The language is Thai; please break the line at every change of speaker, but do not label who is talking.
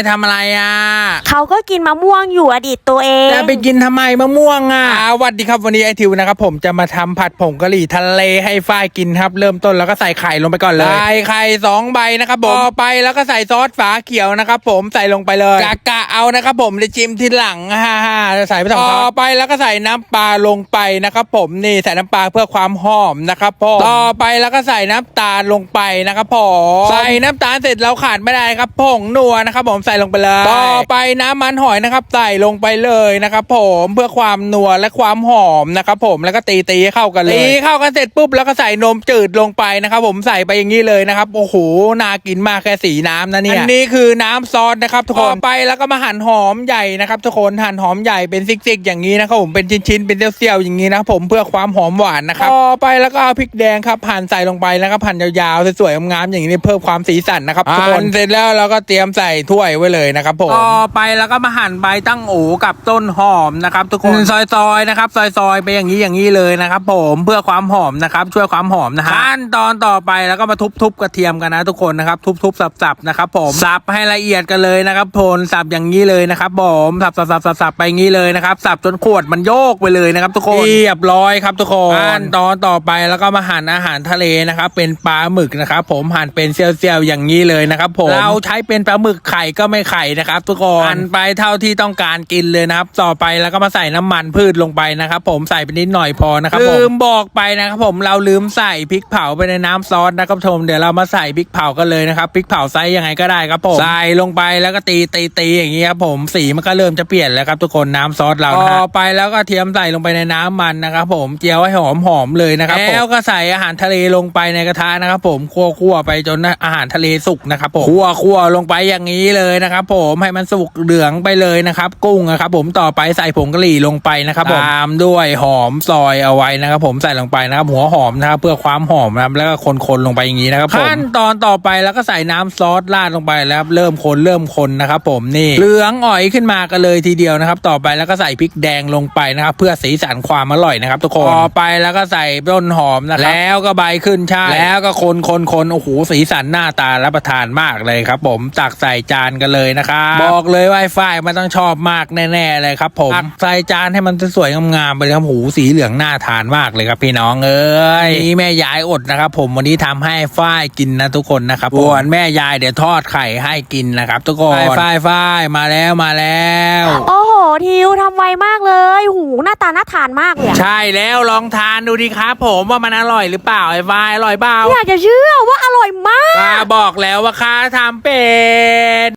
ทำอะไรอ่ะ
เขาก็กินมะม่วงอยู่อดีตตัวเอง
จะไปกินทำไมมะม่วงอ่ะสวัสดีครับวันนี้ไอทิวนะครับผมจะมาทำผัดผงกะหรี่ทะเลให้ฝ้ายกินครับเริ่มต้นแล้วก็ใส่ไข่ลงไปก่อนเลยใส่ไข่2 ใบนะครับผมไปแล้วก็ใส่ซอสฝาเขียวนะครับผมใส่ลงไปเลยกะเอานะครับผมจะจิ้มทีหลังฮ่าใส่ไป2 ช้อนไปแล้วก็ใส่น้ำปลาลงไปนะครับผมนี่ใส่น้ำปลาเพื่อความหอมนะครับผมต่อไปแล้วก็ใส่น้ำตาลลงไปนะครับผมใส่น้ำตาลเสร็จเราขาดไม่ได้ครับผงนัวนะครับผมใส่ลงไปเลยต่อไปน้ำมันหอยนะครับใส่ลงไปเลยนะครับผมเพื่อความนัวและความหอมนะครับผมแล้วก็ตีให้เข้ากันเลยตีเข้ากันเสร็จปุ๊บแล้วก็ใส่นมจืดลงไปนะครับผมใส่ไปอย่างนี้เลยนะครับโอ้โหน่ากินมากแค่สีน้ำนะเนี่ยอันนี้คือน้ำซอสนะครับทุกคนต่อไปแล้วก็มาหั่นหอมใหญ่นะครับทุกคนหั่นหอมใหญ่เป็นซิกๆอย่างนี้นะครับผมเป็นชิ้นๆเป็นเสี้ยวๆอย่างนี้นะผมเพื่อความหอมหวานนะครับต่อไปแล้วก็เอาพริกแดงครับหั่นใส่ลงไปแล้วก็หั่นยาวๆสวยๆงามๆอย่างนี้เพิ่มความสีสันนะครับทุกคนเสร็จแล้วเราก็เตรียมใส่ถ้วยไว้เลยนะครับผมต่อไปแล้วก็มาหั่นใบตั้งโอกับต้นหอมนะครับทุกคนซอยๆนะครับซอยๆไปอย่างนี้เลยนะครับผมเพื่อความหอมนะครับช่วยความหอมนะฮะขั้นตอนต่อไปแล้วก็มาทุบกระเทียมกันนะทุกคนนะครับทุบสับนะครับผมสับให้ละเอียดกันเลยนะครับพลสับอย่างนี้เลยนะครับผมสับไปอย่างนี้เลยนะครับสับจนขวดมันโยกไปเลยนะครับทุกคนเรียบร้อยครับทุกคนขั้นตอนต่อไปแล้วก็มาหั่นอาหารทะเลนะครับเป็นปลาหมึกนะครับผมหั่นเป็นเสี้ยวๆอย่างนี้เลยนะครับผมเราใช้เป็นปลาหมึกไข่ก็ไม่ไข่นะครับทุกคนหั่นไปเท่าที่ต้องการกินเลยนะครับต่อไปแล้วก็มาใส่น้ำมันพืชลงไปนะครับผมใส่ไปนิดหน่อยพอนะครับผมลืมบอกไปนะครับผมเราลืมใส่พริกเผาไปในน้ำซอสนะครับผมเดี๋ยวเรามาใส่พริกเผากันเลยนะครับพริกเผาไซส์ยังไงก็ได้ครับผมใส่ลงไปแล้วก็ตีอย่างนี้ครับผมสีมันก็เริ่มจะเปลี่ยนแล้วครับทุกคนน้ำซอสเราต่อไปแล้วก็เทียมใส่ลงไปในน้ำมันนะครับผมเจียวให้หอมเลยนะครับแล้วก็ใส่อาหารทะเลลงไปในกระทะนะครับผมคั่วไปจนอาหารทะเลสุกนะครับผมคั่วลงไปอย่างนี้เลยนะครับผมให้มันสุกเหลืองไปเลยนะครับกุ้งนะครับผมต่อไปใส่ผงกะหรี่ลงไปนะครับผมตามด้วยหอมซอยเอาไว้นะครับผมใส่ลงไปนะครับหัวหอมนะครับเพื่อความหอมนะครับแล้วก็คนลงไปอย่างนี้นะครับขั้นตอนต่อไปแล้วก็ใส่น้ำซอสราดลงไปแล้วเริ่มคนนะครับผมนี่เหลืองอ่อยขึ้นมากันเลยทีเดียวนะครับต่อไปแล้วก็ใส่พริกแดงลงไปนะครับเพื่อสีสันความอร่อยนะครับทุกคนต่อไปแล้วก็ใส่ต้นหอมนะครับแล้วก็ใบขึ้นช่ายแล้วก็คนโอ้โหสีสันหน้าตารับประทานมากเลยครับผมตักใส่จานกันเลยนะครับบอกเลยว่าฝ้ายมันต้องชอบมากแน่ๆเลยครับผมตักใส่จานให้มันสวยงามๆไปเลยครับหูสีเหลืองน่าทานมากเลยครับพี่น้องเอ้ยนี่แม่ยายอดนะครับผมวันนี้ทำให้ฝ้ายกินนะทุกคนนะครับส่วนแม่ยายเดี๋ยวทอดไข่ให้กินนะครับทุกคนฝ้ายมาแล้ว
โอ้โหทิวทำไวมากเลยหูหน้าตาน่าทานมากเลย
ใช่แล้วลองทานดูดิครับผมว่ามันอร่อยหรือเปล่าไอ้ฝ้ายอร่อยเปล่า
อยากจะเชื่อว่าอร่อยมาก
บอกแล้วว่าข้าทำเป็น